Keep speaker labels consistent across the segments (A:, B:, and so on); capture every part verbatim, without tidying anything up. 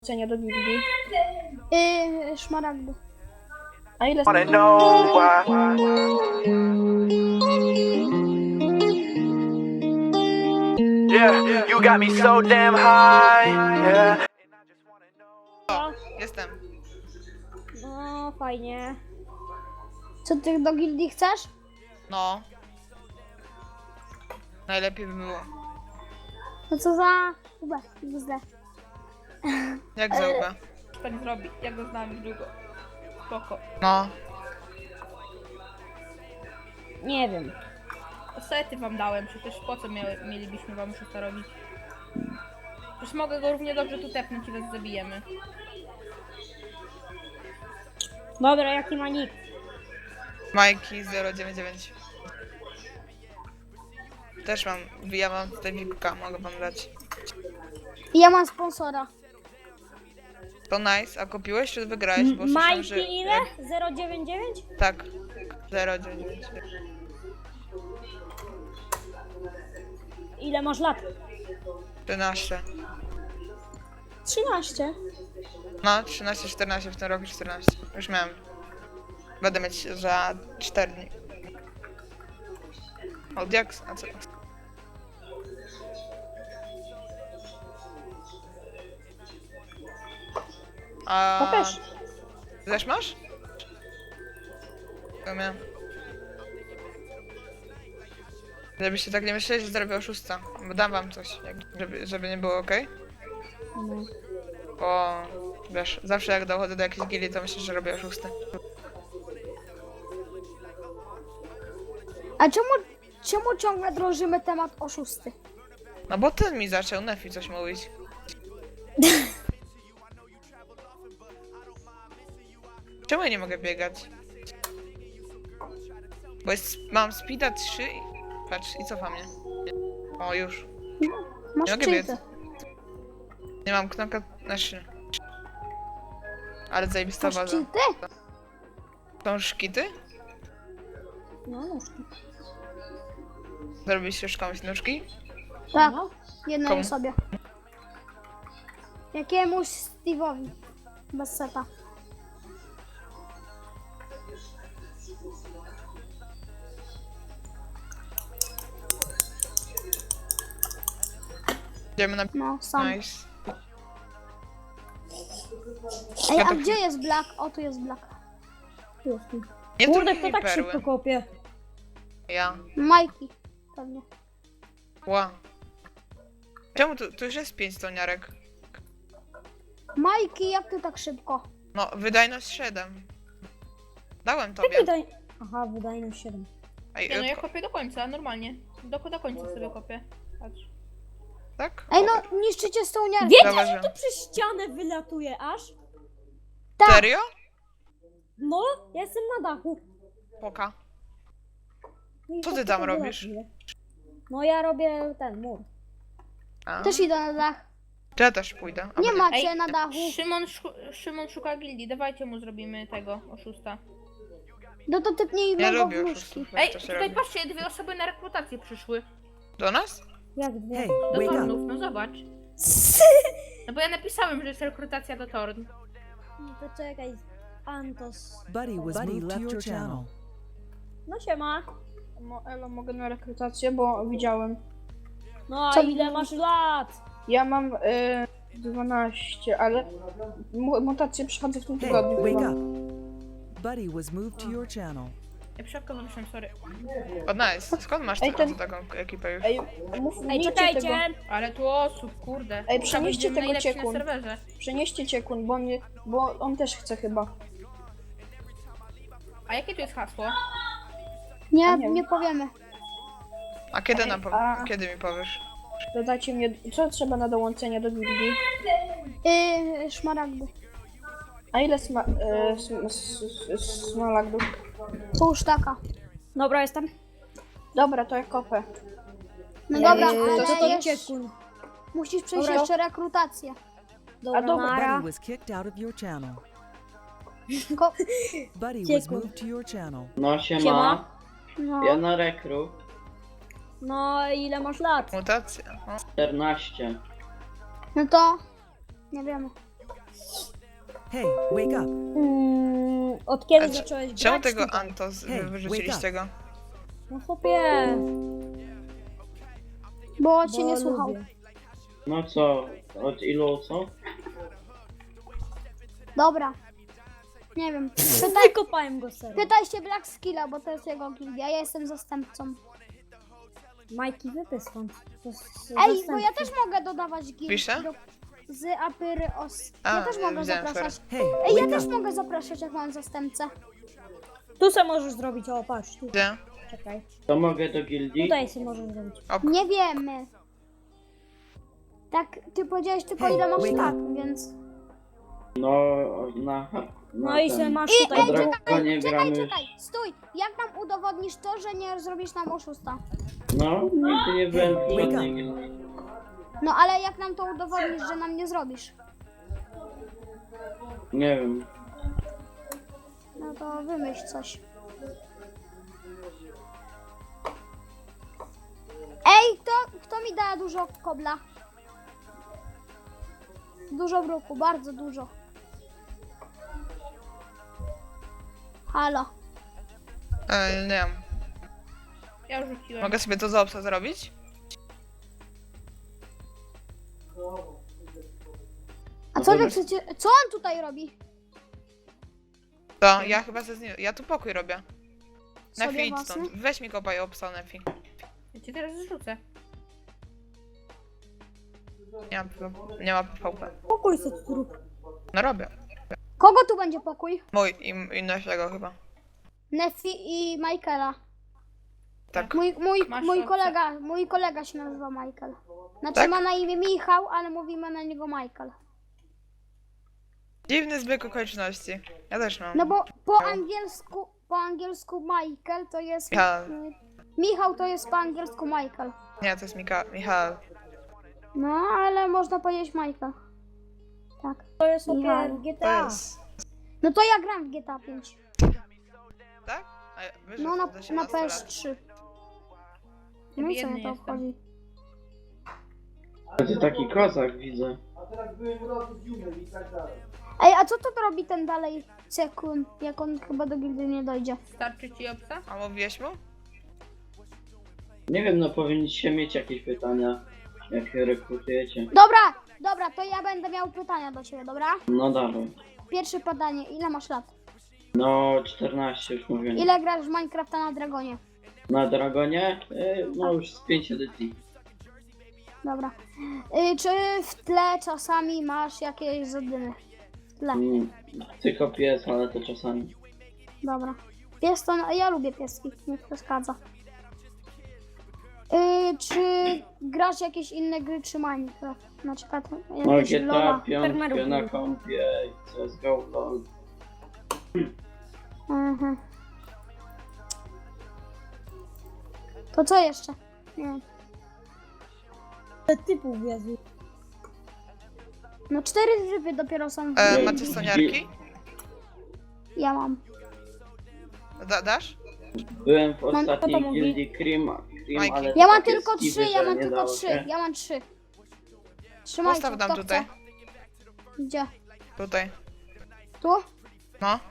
A: dołączenia do gildii?
B: Yy, szmaragdu.
A: A ile...
C: Wanna know why? Yeah, you got me so damn high. Yeah.
D: O, jestem.
B: No, fajnie. Co ty do gildii chcesz?
D: No. Najlepiej by było.
B: No co za... Ube, źle.
D: Jak zauwa.
A: tak zrobi, ja go znam już długo. Spoko.
D: No.
B: Nie wiem.
A: Sety wam dałem, przecież po co mia mielibyśmy wam szósta robić? Przecież mogę go równie dobrze tu tepnąć i was zabijemy.
B: Dobra, jaki ma nick?
D: Majki zero dziewięć dziewięć. Też mam, ja mam tutaj vipka, mogę wam dać.
B: I ja mam sponsora.
D: To nice, a kupiłeś czy wygrałeś? Bo słyszałem, że...
B: Majki ile? zero dziewięć dziewięć?
D: Tak. zero dziewięć dziewięć.
B: Ile masz lat?
D: trzynaście.
B: trzynaście.
D: No, trzynaście, czternaście, w tym roku czternaście. Już miałem. Będę mieć za cztery dni. Od jak? A co? A...
B: To też.
D: Ty też masz? To miałem. Żebyście tak nie myśleli, że zrobię oszusta. Bo dam wam coś, jak, żeby, żeby nie było ok.
B: No.
D: Bo wiesz, zawsze jak dochodzę do jakiejś gildii, to myślę, że robię oszusty.
B: A czemu, czemu ciągle drążymy temat oszusty?
D: No bo ten mi zaczął Nefi coś mówić. Czemu ja nie mogę biegać? Bo jest, mam speeda trzy i... Patrz, i cofa mnie. O, już.
B: Masz
D: Nie mogę
B: cheaty.
D: biec. Nie mam knoka na trzy. Ale zajebista
B: Masz
D: baza.
B: cheaty?
D: Są szkity?
B: No, nóżki.
D: Zrobiliście już komuś nóżki?
B: Tak, jednej
D: Komu?
B: osobie. Jakiemuś Steve'owi. Bez seta.
D: Idziemy na...
B: No, sam.
D: Nice.
B: Ej,
D: Ja
B: a
D: to-
B: gdzie jest Black? O, tu jest Black. Tu jest.
D: Nie
E: Kurde,
D: trudniej
E: kto tak
D: perły.
E: szybko kopie?
D: Ja.
B: Majki. Pewnie.
D: Ła. Czemu tu, tu już jest pięć stoniarek?
B: Majki, jak ty tak szybko?
D: No, wydajność siedem. Dałem
E: Jak
D: tobie.
E: wydaj... Aha, wydajność siedem.
D: Ej,
A: Nie no, ja
D: ko-
A: kopię do końca, normalnie. Do, do końca sobie kopię. Patrz.
D: tak?
B: Ej, no, niszczycie stołniarkę.
E: Wiecie,
D: Zauważyłem.
E: że to przez ścianę wylatuje aż?
B: Tak.
D: Serio?
E: No, ja jestem na dachu.
D: Poka.
E: No i
D: Co
E: to
D: ty tam
E: tylko
D: robisz?
E: wylatuje. No ja robię ten mur.
D: A.
B: Też idę na dach.
D: Czy ja też pójdę? A
B: Nie
D: bo
B: macie na dachu.
A: Szymon, szu Szymon szuka gildii, dawajcie mu zrobimy tego, oszusta.
B: No to typnij
D: Ja
B: go w
D: lubię
B: nóżki.
D: oszustów. jak
A: Ej,
D: to się
A: tutaj
D: robi.
A: patrzcie, dwie osoby na rekrutację przyszły.
D: Do nas?
E: Jak dwie?
A: Do Tornów, no zobacz. No bo ja napisałem, że jest rekrutacja do Torn.
E: No to czekaj. Antos.
F: Buddy was moved to your channel.
E: No siema.
A: Mo Elo, mogę na rekrutację, bo widziałem.
E: No a
B: Co-
E: ile masz lat?
A: Ja mam y, dwanaście, ale mu mutację przychodzę w tym
F: Hey,
A: tygodniu.
F: wake
A: chyba.
F: up. Buddy was moved to your channel.
A: Ja przypadkowo wyszłam, sorry.
D: O, nice. Skąd masz
A: Ej,
D: taką,
A: ten-
D: taką ekipę już?
A: Ej, mów,
E: Ej,
A: miejcie
E: czekajcie.
A: tego, ale tu osób, kurde.
E: Ej,
A: Będziemy
E: przenieście
A: tego
E: tego
A: najlepsi
E: ciekun.
A: na serwerze.
E: Przenieście ciekun, bo, nie, bo on też chce chyba.
A: A jakie tu jest hasło?
B: Nie,
E: nie
B: nie powiemy.
D: A kiedy nam po...
E: a-
D: Kiedy mi powiesz?
E: Dodajcie mnie, co trzeba na dołączenie do gildii?
B: Yy, szmaragdu.
E: A ile sma, e, sm, s, s, smaragdów?
B: Pół sztaka.
E: Dobra, jestem. Dobra, to ja kopę.
B: No dobra,
E: Eee,
B: ale
E: to to
B: jeszcze,
E: ciekun.
B: musisz przejść
E: Dobra.
B: jeszcze rekrutację.
E: Dobra, dobra.
F: Buddy was kicked out of your channel.
B: Ko
F: Buddy was
E: Ciekun.
F: moved to your channel.
G: No siema,
E: Siema.
B: no.
G: ja na rekru
E: No ile masz lat?
D: Mutacja. O.
G: czternaście.
B: no to nie wiemy.
F: Hey, wake up.
B: Mm, od kiedy
D: A c-
B: zacząłeś grać
D: Czemu tego
B: tutaj?
D: Antos
F: Hej,
D: wyrzuciliście go?
B: No chłopie,
G: Bo
B: bo
G: cię nie słuchał.
B: lubię.
H: No co? Od ilu co?
G: Dobra. Nie wiem. Pytaj,
B: Wykopałem go serio.
G: pytaj się Black Skilla, bo to jest jego gildia. Ja jestem zastępcą.
B: Majki, wypy stąd. To jest
G: Ej, bo
B: zastępcy.
G: ja też mogę dodawać gildię.
D: Pisze?
G: do- Z Apyry os.
D: A,
G: Ja też mogę
D: widziałem,
G: zapraszać.
F: Hey,
G: Ej, ja
F: wake
G: też
F: up.
G: mogę zapraszać, jak mam zastępcę.
B: Tu se możesz zrobić, o patrz, tu,
D: Gdzie?
B: czekaj.
H: To mogę do gildii?
B: Tutaj se możesz zrobić.
G: Nie wiemy. Tak, ty powiedziałeś tylko
F: Hej,
G: ile masz
F: wake
G: lat,
F: up.
G: więc...
H: No, na... na
B: No i se
H: ten-
B: masz
G: I,
B: tutaj
G: ej,
H: Dobra,
B: dół.
H: to nie
G: czekaj,
H: gramy.
G: czekaj, stój! Jak nam udowodnisz to, że nie zrobisz nam oszusta?
H: No, nigdy nie byłem w
F: Wake up.
H: żadnej gildii.
G: No ale jak nam to udowodnisz, że nam nie zrobisz?
H: Nie wiem.
G: No to wymyśl coś. Ej, kto, kto mi da dużo kobla? Dużo bruku, bardzo dużo. Halo.
D: E, nie wiem.
A: Ja już rzuciłem.
D: Mogę sobie to za obsa zrobić?
G: A co wy chcecie, co on tutaj robi?
D: To ja chyba ze z nim. Ja tu pokój robię.
G: Sobie
D: Nefi, idź
G: własny?
D: stąd. Weź mi kopaj obsa, Nefi.
A: Ja cię teraz zrzucę.
D: Nie ma, nie ma P V P.
B: Pokój se tu zrób.
D: No robię.
G: Kogo tu będzie pokój?
D: Mój i, i Nefiego chyba.
G: Nefi i Michaela.
D: Tak.
G: Mój, mój,
A: Masz
G: mój
A: opcję.
G: kolega, mój kolega się nazywa Michael. Znaczy
D: Tak?
G: ma na imię Michał, ale mówimy na niego Michael.
D: Dziwny zbieg okoliczności. Ja też mam.
G: No bo po angielsku, po angielsku Michael to jest...
D: Michał.
G: y, Michał to jest po angielsku Michael.
D: Nie, to jest Mika Michał.
G: No, ale można powiedzieć Michael. Tak.
B: To jest sobie
G: Michał.
B: w G T
D: To
B: A.
D: jest.
G: No to ja gram w G T A pięć.
D: Tak? A ja, wiesz,
G: No
D: że
G: na,
D: do
G: na
D: osiemnastu
G: P
D: lat.
G: S trzy. No i co
A: Biedny
G: mnie to
A: jestem.
G: obchodzi?
H: A ty taki kozak widzę.
G: Ej, a co to robi ten dalej sekund, jak on chyba do gildy nie dojdzie?
A: Starczy ci obsa?
D: A mówiłeś mu?
H: Nie wiem, no powinniście mieć jakieś pytania, jak rekrutujecie.
G: Dobra, dobra, to ja będę miał pytania do ciebie, dobra?
H: No dalej.
G: Pierwsze pytanie, ile masz lat?
H: No, czternaście już mówię.
G: Ile grasz w Minecrafta na Dragonie?
H: Na Dragonie? Y, No już z pięć edycji.
G: Dobra. Y, czy w tle czasami masz jakieś zadymy? W tle.
H: Mm, Tylko pies, ale to czasami.
G: Dobra. Pies to... Ja lubię pieski, nie przeszkadza. Y, czy grasz jakieś inne gry czy Minecraft? Na przykład
H: No
G: jakieś
H: G T A
G: Lola.
H: piątkę
B: Farmerów
H: na
B: lubię.
H: kompie, C S G O, LOL.
G: Mhm. To co jeszcze? Nie wiem.
B: Typów Jezu.
G: No cztery tryby dopiero są.
D: E,
H: Nie,
D: macie stoniarki?
G: Ja mam.
D: Da, dasz?
H: Byłem w
G: Mam-
H: ostatniej
B: to to mówi.
H: gildii Cream, Cream
D: Majki.
H: ale
G: Ja
H: to
G: mam
H: takie
G: tylko
H: skiby,
G: trzy, ja
H: że
G: mam
H: nie
G: tylko
H: dało
G: trzy,
H: się.
G: ja mam trzy. Trzymajcie,
D: Postaw nam
G: kto
D: tutaj.
G: chce. Gdzie?
D: Tutaj.
G: Tu?
D: No.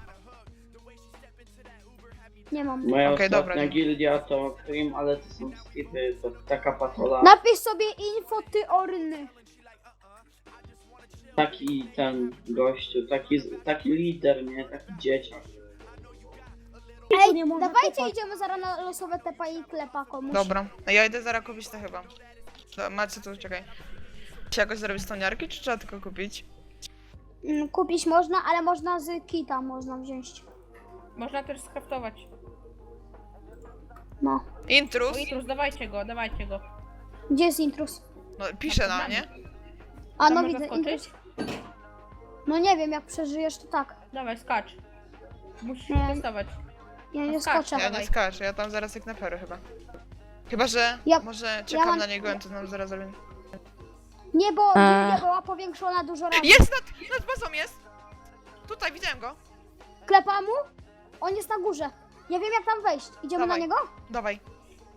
G: Nie mam.
H: Moja
D: Okej,
H: ostatnia
D: dobra.
H: gildia to Cream, ale to są skipy, to taka patola.
G: Napisz sobie info ty orny.
H: Taki ten gościu, taki, taki lider, nie? Taki dzieciak.
G: Ej,
B: nie można
G: dawajcie
B: kopać.
G: idziemy zaraz na losowe tepa i klepa komuś.
D: Dobra. No ja idę zaraz kupić to chyba. Do, macie tu, czekaj. Czy jakoś zrobić stoniarki, czy trzeba tylko kupić?
G: Mm, Kupić można, ale można z kita można wziąć.
A: Można też skraftować.
G: No.
D: Intrus?
A: O, Itrus, dawajcie go, dawajcie go.
G: Gdzie jest intrus?
D: No pisze na mnie.
G: A
A: Tam
G: no
A: można
G: widzę
A: skoczyć?
G: intrus. No nie wiem, jak przeżyjesz to tak.
A: Dawaj, skacz. Musisz
G: Nie.
A: testować.
G: Ja nie
A: No skacz,
G: skoczę.
D: Ja
A: Dawaj.
D: nie skaczę, ja tam zaraz jak na pery chyba. Chyba, że
G: Ja-
D: może czekam
G: mam-
D: na niego, to nam zaraz zrobię.
G: Nie, bo gildia była powiększona dużo razy.
D: Jest nad, nad bazą jest! Tutaj, widziałem go.
G: Klepa mu? On jest na górze. Ja wiem jak tam wejść. Idziemy
D: Dawaj.
G: na niego?
D: Dawaj.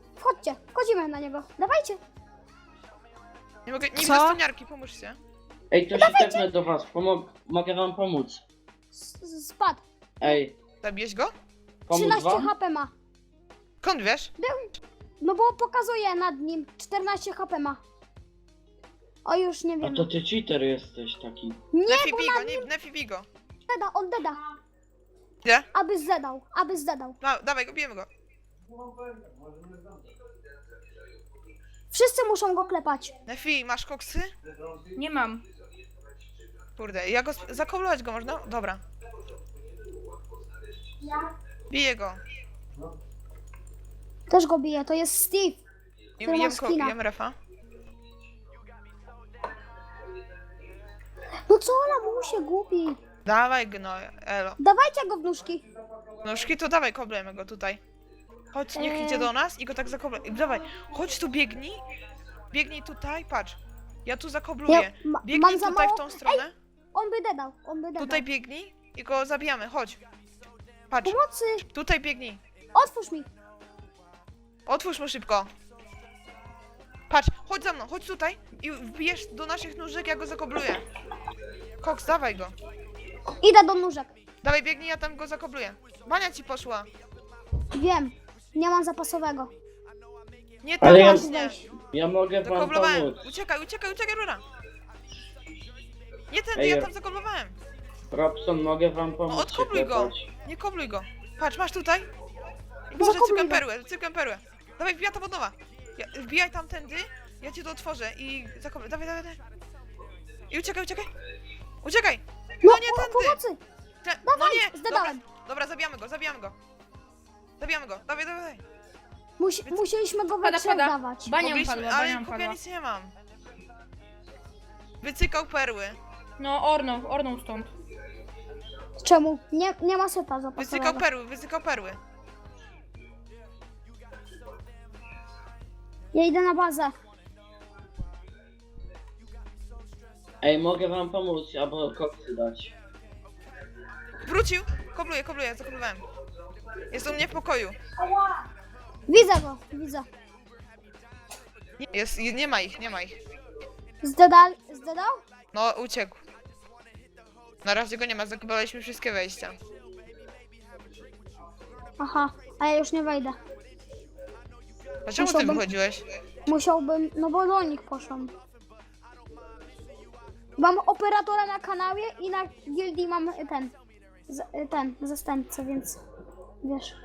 G: Wchodźcie, wchodzimy na niego. Dawajcie.
D: Nie mogę, nie
B: Co?
D: widzę stoniarki, pomóżcie.
H: Ej, to się tepnę do was, Pomo mogę wam pomóc.
G: S- s- Spadł.
H: Ej,
D: Zabijesz go?
H: pomóc
G: trzynaście
H: wam?
G: H P ma.
D: Skąd wiesz?
G: No bo pokazuje nad nim. czternaście H P ma. O, już nie
H: A
G: wiem.
H: to ty cheater jesteś taki.
G: Nie,
D: Nefi,
G: bo
D: bij
G: nad
D: go,
G: nim
D: nie, Nefi, bij go.
G: deda, on deda.
D: Gdzie?
G: Aby zdedał, aby zdedał.
D: Da, dawaj go, bijemy go.
G: Wszyscy muszą go klepać.
D: Nefi, masz koksy?
A: Nie mam.
D: Kurde, ja go... sp- zakoblować go można? Dobra. Biję go.
G: Też go bije, to jest Steve.
D: I
G: Który ma
D: jem, ko-
G: skina.
D: jem refa.
G: No co ona mu się gubi?
D: Dawaj go, no, elo.
G: Dawajcie go w nóżki.
D: Nóżki to dawaj, koblejmy go tutaj. Chodź, niech
G: Eee.
D: idzie do nas i go tak zakobluj. Dawaj, chodź tu, biegnij. Biegnij tutaj, patrz. Ja tu zakobluję.
G: Ja ma,
D: Biegnij
G: mam za
D: tutaj
G: mało.
D: w tą stronę.
G: On by dedał, on by dedał.
D: Tutaj biegnij i go zabijamy, chodź. Patrz,
G: Pomocy!
D: tutaj biegnij.
G: Otwórz mi!
D: Otwórz mu szybko. Patrz, chodź za mną, chodź tutaj i wbijesz do naszych nóżek, ja go zakobluję. Koks, dawaj go.
G: Idę do nóżek.
D: Dawaj, biegnij, ja tam go zakobluję. Bania ci poszła.
G: Wiem, nie mam zapasowego.
D: Nie tam
H: Ale ja,
D: właśnie.
H: ja mogę wam
D: Zakoblowałem.
H: pomóc.
D: Uciekaj, uciekaj, uciekaj, rura. Nie tędy,
H: Ej,
D: ja
H: ja-
D: tam zakoblowałem.
H: Robson, mogę wam pomóc.
D: No
H: się
D: odkobluj go.
H: klepać?
D: Nie kobluj go. Patrz, masz tutaj. I Boże,
G: Zakobluj
D: cykam
G: go.
D: perłę, cykam perłę. Dawaj, wbija ta od nowa. Ja, wbijaj tamtędy, ja cię to otworzę i zakobluj. Dawaj, dawaj, dawaj. I uciekaj, uciekaj. Uciekaj.
G: No,
D: nie
G: o,
D: tędy.
G: pomocy!
D: Te, no
G: Dawaj,
D: nie. Dobra,
G: zdedałem.
D: dobra, zabijamy go, zabijamy go. Zabijamy go, dawaj, dawaj, dawaj.
G: Musi, musieliśmy go we
A: Pada,
G: trzech
A: pada.
G: dawać.
A: Bania
D: Mogliśmy,
A: padła,
D: ale
A: bania
D: kupię
A: padła.
D: nic nie mam. Wycykał perły.
A: No, ornął, ornął stąd.
G: Czemu? Nie, nie ma seta
D: Wycykał
G: zapasowego.
D: perły, wycykał perły.
G: Ja idę na bazę.
H: Ej, mogę wam pomóc, albo koksy dać.
D: Wrócił. Kobluję, kobluję, zakoblowałem. Jest u mnie w pokoju.
G: Widzę go, widzę.
D: Jest, nie ma ich, nie ma ich.
G: Zdedal, zdedał?
D: No, uciekł. Na razie go nie ma, zakoblowaliśmy wszystkie wejścia.
G: Aha, a ja już nie wejdę.
D: A czemu ty
G: Musiałbym-
D: wychodziłeś?
G: Musiałbym, no bo do nich poszłam. Mam operatora na kanale i na gildii mam ten, z- ten, zastępcę, więc wiesz.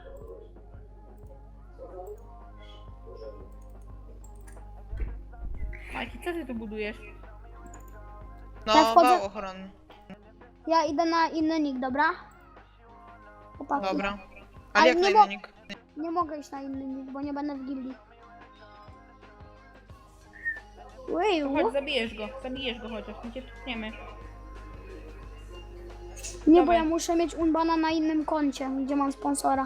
A: Majki, co ty tu budujesz?
D: No,
G: Ja wchodzę-
D: wał ochronny.
G: Ja idę na inny nick, dobra? Chłopaki.
D: Dobra.
G: Ale
D: Ale jak
G: nie
D: na
G: mo-
D: inny nick?
G: Nie mogę iść na inny nick, bo nie będę w gildii. Uju.
A: Chodź, zabijesz go, zabijesz go chociaż, my cię tupniemy.
G: Nie, bo
A: Dawaj.
G: ja muszę mieć unbana na innym koncie, gdzie mam sponsora.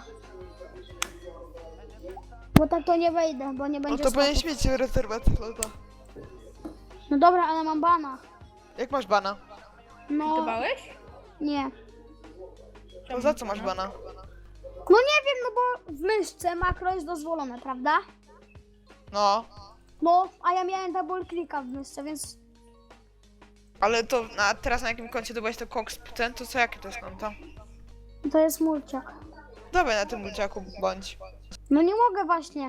G: Bo tak to nie wejdę, bo nie
D: No
G: będzie
D: to
G: slotów.
D: powinieneś mieć rezerwację slota.
G: No dobra, ale mam bana.
D: Jak masz bana?
G: No,
A: Dbałeś?
G: nie.
D: To za co masz bana?
G: No nie wiem, no bo w myszce makro jest dozwolone, prawda?
D: No,
G: No, a ja miałem double clicka w myszce, więc
D: ale to a teraz na jakim koncie to byłeś to Cox ten, to co jakie to jest konto?
G: to jest mulciak.
D: Dawaj na tym mulciaku bądź.
G: No nie mogę właśnie.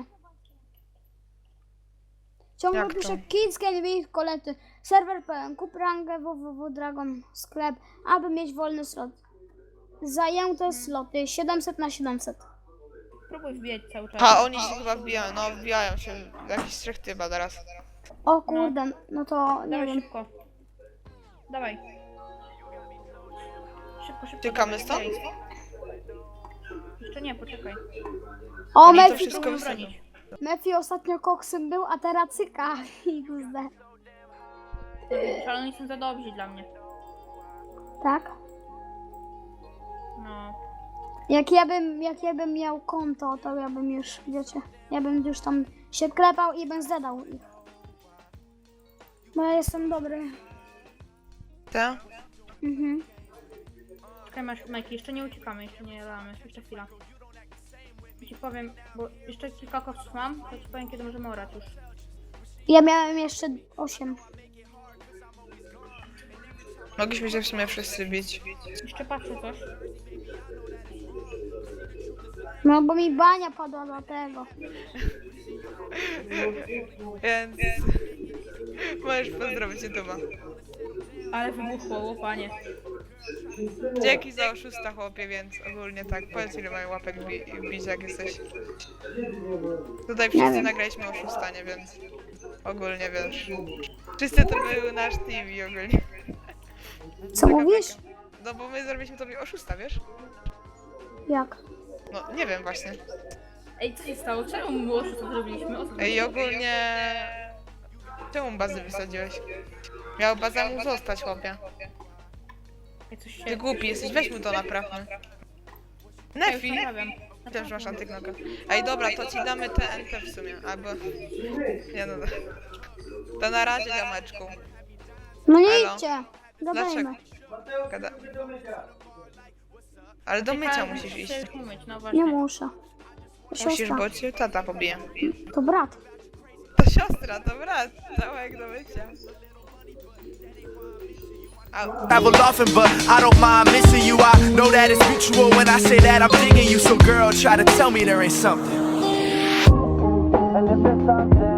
G: Ciągle
D: Jak to?
G: piszę Kids Can Be kolety. Serwer pełen. Kup rangę www Dragon sklep, aby mieć wolny slot. Zajęte sloty siedemset na siedemset.
A: Próbuj wbijać cały czas.
D: A oni się chyba wbijają, no wbijają się. Jakiś trzech chyba teraz.
G: O kurde, no to nie
A: Dawaj
G: wiem.
A: szybko. Dawaj. Szybko, szybko.
D: Tykamy
A: dawaj,
D: stąd?
A: dawaj. Jeszcze nie, poczekaj.
G: O,
D: Oni to
G: Mefi,
D: wszystko
A: Próbuj
D: wysadzą.
A: bronić.
G: Mefi ostatnio koksem był, a teraz cyka. iks de.
A: Ale oni są za dobrzy dla mnie.
G: Tak?
A: No.
G: Jak ja bym, jak ja bym miał konto, to ja bym już, wiecie, ja bym już tam się klepał i bym zadał ich. Bo ja jestem dobry.
D: Te?
G: Mhm.
A: Czekaj, masz, Majki, jeszcze nie uciekamy, jeszcze nie lamy. Jeszcze chwila. Ci powiem, bo jeszcze kilka koksów mam, to ci powiem, kiedy możemy orać już.
G: Ja miałem jeszcze osiem.
D: Mogliśmy się w sumie wszyscy bić.
A: Jeszcze patrzę coś.
G: No bo mi bania padła do tego.
D: Więc... Możesz pozdrowić YouTube'a.
A: Ale wybuchło, łopanie.
D: Dzięki za oszusta, chłopie, więc ogólnie tak. Powiedz, ile mają łapek bi bić, jak jesteś. Tutaj wszyscy nagraliśmy oszustanie, więc... Ogólnie, wiesz. Wszyscy to był nasz team i ogólnie.
G: Co
D: Taka
G: mówisz?
D: beka. No bo my zrobiliśmy tobie oszusta, wiesz?
G: Jak?
D: No, nie wiem właśnie.
A: Ej, co się stało? Czemu było, że to zrobiliśmy? O co
D: Ej, ogólnie... Czemu bazy wysadziłeś? Miał baza mu zostać, chłopie.
A: Ej, coś się...
D: Ty głupi jesteś, weź mu to naprawmy. Nefi!
A: Nie wiem.
D: Też masz antyknoka. Ej, dobra, to ci damy T N T w sumie, albo... Nie no, to na razie, ziomeczku.
G: No nie
D: Elo.
G: idźcie.
D: Dlaczego?
G: Gadajmy.
D: Gada... Ale do mycia musisz iść.
A: Musisz umyć, no właśnie.
G: Nie muszę. To
D: Musisz,
G: siostra.
D: bo cię tata pobije.
G: To brat.
D: To siostra, to brat. Całek do mycia. Au.
C: Travel often, but I don't mind missing you. I know that it's mutual when I say that I'm digging you. So, girl, try to tell me there ain't something. And if it's something.